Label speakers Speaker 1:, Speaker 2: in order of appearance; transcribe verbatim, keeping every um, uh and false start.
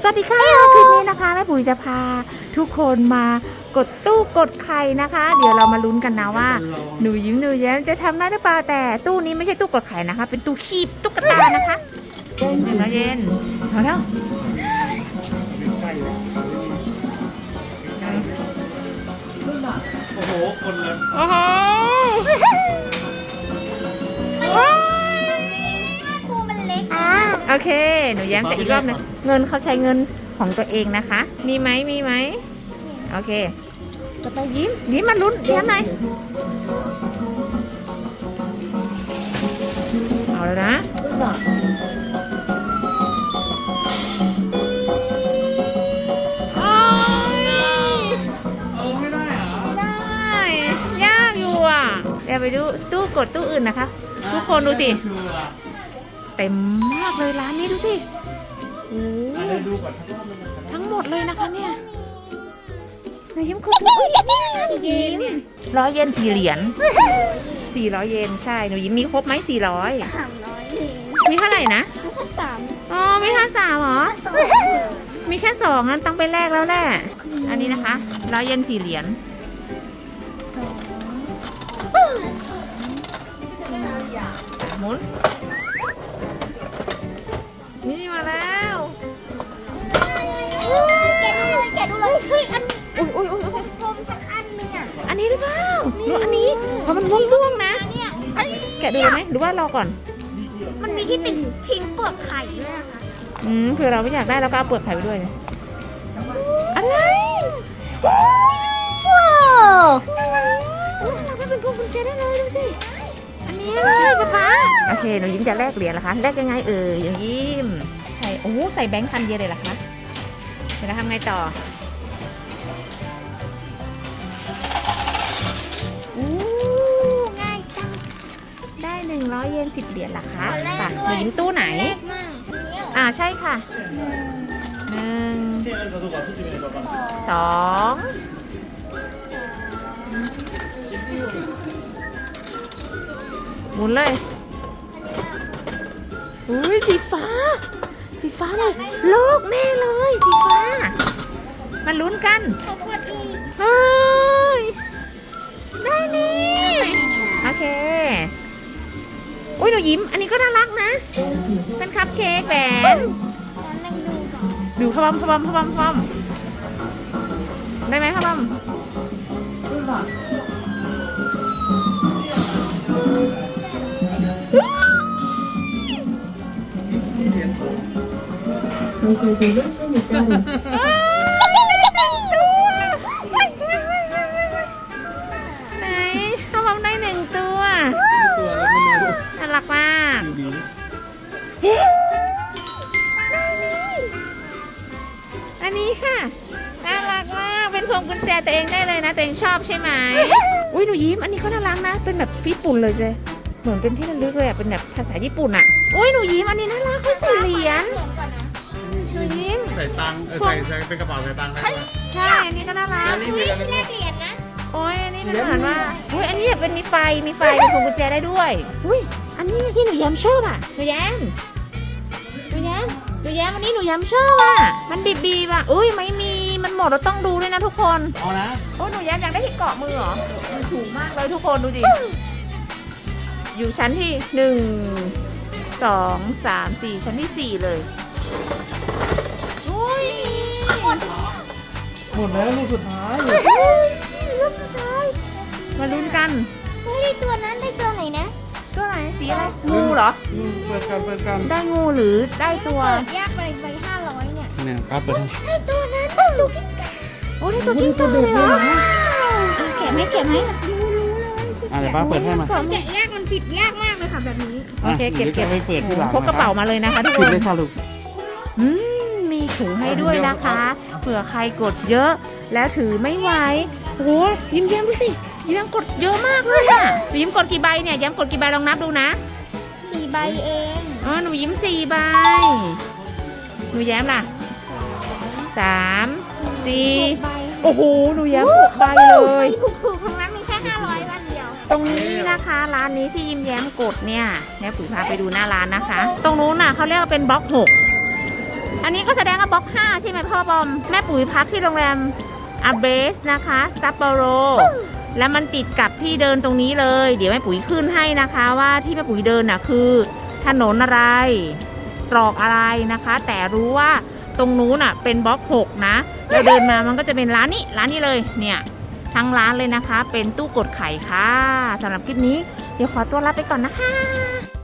Speaker 1: สวัสดีค่ะคลิปนี้นะคะแม่ปุ๋ยจะพาทุกคนมากดตู้กดไข่นะคะ เดี๋ยวเรามาลุ้นกันนะว่าหนูยิ้มหนูแย้มจะทำได้หรือเปล่าแต่ตู้นี้ไม่ใช่ตู้กดไข่นะคะ เป็นตู้คีบตุ๊กตานะคะเย็นนะเย็นเอาแล้ว
Speaker 2: โอ้โหคนเลย
Speaker 1: โอ้โห
Speaker 3: ตัวมันเล็ก
Speaker 1: โอเคหนูแย้มจะอีกรอบหนึงเงินเขาใช้เงินของตัวเองนะคะ มีไหมมีไหมโอเคจะไปยิ้มยิ้มมาลุ้นแย้มหน่อยเอาแล้วนะโอ้ย
Speaker 2: เออไม่ได้เหรอ
Speaker 1: ไม่ได้ยากอยู่อ่ะเดี๋ยวไปดูตู้กดตู้อื่นนะคะ ทุกคนดูสิ
Speaker 2: ชัวร์
Speaker 1: เต็มมากเลยร้านนี้ดูสิโอ้
Speaker 2: อ่ะเดี๋ยวดูก่อนสักรอบนึงนะ
Speaker 1: ทั้งหมดเลยนะคะเนี่ยหนูยิ้มกดทุกยิ้มร้อยเยนสี่เหรียญสี่ร้อยเยนใช่หนูยิ้มมีครบไหมสี่ร้อย
Speaker 3: สามร้อยเอง
Speaker 1: มีเท่าไหร่นะ
Speaker 3: แค่สาม
Speaker 1: อ๋อมีแค่สามเหรอ
Speaker 3: สอง
Speaker 1: มีแค่สองงั้นต้องไปแลกแล้วแหละอันนี้นะคะร้อยเยนสี่เหรียญหมุนนี่มาแล้ว
Speaker 3: แกะดูเลยแกะดูเลยเฮ้ยอัน
Speaker 1: อุ้ยอุ้ยอุ้ย
Speaker 3: ผมพรมสักอันหนึงอ่ะ
Speaker 1: อันนี้หรือเปล่าหรืออันนี้เพราะมันม่วงๆนะ
Speaker 3: เนี่ยเอ้ย
Speaker 1: แกะดูเลยไหมหรือว่ารอก่อน
Speaker 3: มันมีที่ติดพิงเปลือกไข่ด้วยนะคะ
Speaker 1: อืมคือเราไม่อยากได้เราก็เอาเปลือกไข่ไปด้วยนะอะไร
Speaker 3: ว้าว
Speaker 1: เราก็เป็นพวงกุญแจได้เลยดูสิอันนี้อะไรป๊าป๊าโอเคหนูยิ้มจะแลกเหรียญเหรอคะแลกยังไงเอ่ยหนูยิ้มใส่โอ้ใส่แบงค์พันเยนเลยเหรอคะเดี๋ยวเราทำไงต่ออู้ง่ายจังได้หนึ่งร้อยเยนสิบเหรียญเหรอคะป่ะหนูยิ้มตู้ไหน
Speaker 3: เล็กมากอันนี้เหรอ
Speaker 1: อ่าใช่ค่ะหนึ่ง
Speaker 2: เจ๊เอิญกับตัวก่อนทุกทีเลยตัวก่อน
Speaker 1: สองหมุนเลยอุ้ยสีฟ้า สีฟ้าเลยโลกแน่เลยสีฟ้ามาลุ้นกัน
Speaker 3: ขอบคุณอีก
Speaker 1: เฮ้ยได้นี่โอเคอุ้ยหนูยิ้มอันนี้ก็น่ารักนะเป็นคัพเค้กแหวน
Speaker 3: งั้นนั่งดูก่อน
Speaker 1: ดูพะบอมพะบอมพะบอมพะบอมได้ไหมพะบอมไหนพะบอมได้หนึ่งตัว
Speaker 2: ตัวแล้วไม่รู้
Speaker 1: น่ารักมาก
Speaker 2: ดูดี
Speaker 1: อันนี้ค่ะน่ารักมากเป็นพวงกุญแจตัวเองได้เลยนะตัวเองชอบใช่ไหมอุ้ยหนูยิ้มอันนี้ก็น่ารักนะเป็นแบบญี่ปุ่นเลยเจ้เหมือนเป็นที่ระลึกเลยอ่ะเป็นแบบภาษาญี่ปุ่นอ่ะอุ้ยหนูยิ้มอันนี้น่ารักเป็นสี่เหรียญ
Speaker 3: เหรียญก่อนนะ
Speaker 1: หนูยิ้ม
Speaker 2: ใส่ตังค์เออใส่ใส่เป็นกระเป๋าใส่ตังค์ได้ไหม
Speaker 1: ใช่อันนี้ก็น่ารัก
Speaker 2: อันนี้
Speaker 3: อุ้
Speaker 2: เป็
Speaker 3: ย
Speaker 2: นอะไร
Speaker 3: แลกเหรียญนะ
Speaker 1: โอ้ยอันนี้เป็นเหมือนว่าอุ้ยอันนี้เป็นมีไฟมีไฟเป็นพวงกุญแจได้ด้วยอุ้ยอันนี้ที่หนูแย้มชอบอ่ะหนูแย้มหนูแย้มหนูแย้มอันนี้หนูแย้มชอบอ่ะมันบีบีอ่ะอุ้ยไม่มีมันหมดเราต้องดูด้วยนะทุกคน
Speaker 2: เอานะ
Speaker 1: โอ้หนูแย้มอยากได้ที่เกาะมือเหรอมันถูกมากเลยทุกคนดูดิอยู่ชั้นที่หนึ่งสองสามสี่ชั้นที่สี่เลยโอ้ย
Speaker 2: หมดแล้วลูกสุดท้าย
Speaker 1: ลูกสุดท้ายมาลุ้นกัน
Speaker 3: เฮ้ยได้ตัวนั้นได้ตัวไหนนะ
Speaker 1: ตัวไหนสีอะไรงูเหรอ
Speaker 2: อืมเปิดกันเปิดกัน
Speaker 1: ได้งูหรือได้ตัว
Speaker 3: เปิดยากไปไปห้าร้อยเนี่ย
Speaker 2: เนี่ยครับเปิดให้
Speaker 3: ได้ตัวนั้นได้ตัวกิ้งก่า
Speaker 1: โอ้ได้ตัวกิ้งก่าเลยเหรออ่ะแกะไหมแกะไหม
Speaker 3: รู้รู้เลย
Speaker 2: อ่ะเดี๋ยวป้าเปิดให้มา
Speaker 3: แกะยากมันผิดยากมากเลยค่ะแบบนี้
Speaker 1: โอเคเก็บเก็บ
Speaker 2: ดี๋ยวจะไปเปิดที่หลัง
Speaker 1: พกกระเป๋ามาเลยนะคะทุกค
Speaker 2: ปิด
Speaker 1: น
Speaker 2: เลยค่ะลูก
Speaker 1: อืมมีถุงให้ด้วยนะคะเผื่อใครกดเยอะแล้วถือไม่ไหวโอ้ยยิ้มแย้มดูสิยิ้มกดเยอะมากเลยอ่ะยิ้มกดกี่ใบเนี่ยย้มกดกี่ใบลองนับดูนะ
Speaker 3: สี่ใบเอง
Speaker 1: อ๋อหนูยิ้มสี่ใบหนูแย้มล่ะสามสี่
Speaker 3: หกใบ
Speaker 1: โอ้โหหนูแย้มหกใบเลย
Speaker 3: ถูกถูกๆทั้งนั้นมีแค่ห้าร้อยวันเดียว
Speaker 1: ตรงนี้นะคะร้านนี้ที่ยิ้มแย้มกดเนี่ยเนี่ยปุ๋ยพาไปดูหน้าร้านนะคะ ตรงนู้นน่ะเขาเรียกว่าเป็นบล็อกหกอันนี้ก็แสดงว่าบล็อกห้าใช่ไหมพ่อบอม แม่ปุ๋ยพักที่โรงแรมอาเบสนะคะซัปโปโร แล้วมันติดกับที่เดินตรงนี้เลย เดี๋ยวแม่ปุ๋ยขึ้นให้นะคะว่าที่แม่ปุ๋ยเดินน่ะคือถนนอะไร ตรอกอะไรนะคะ แต่รู้ว่าตรงนู้นน่ะเป็นบล็อกหกนะแล้วเดินมามันก็จะเป็นร้านนี้ร้านนี้เลยเนี่ยทั้งร้านเลยนะคะ เป็นตู้กดไข่ค่ะสำหรับคลิปนี้เดี๋ยวขอตัวลาไปก่อนนะคะ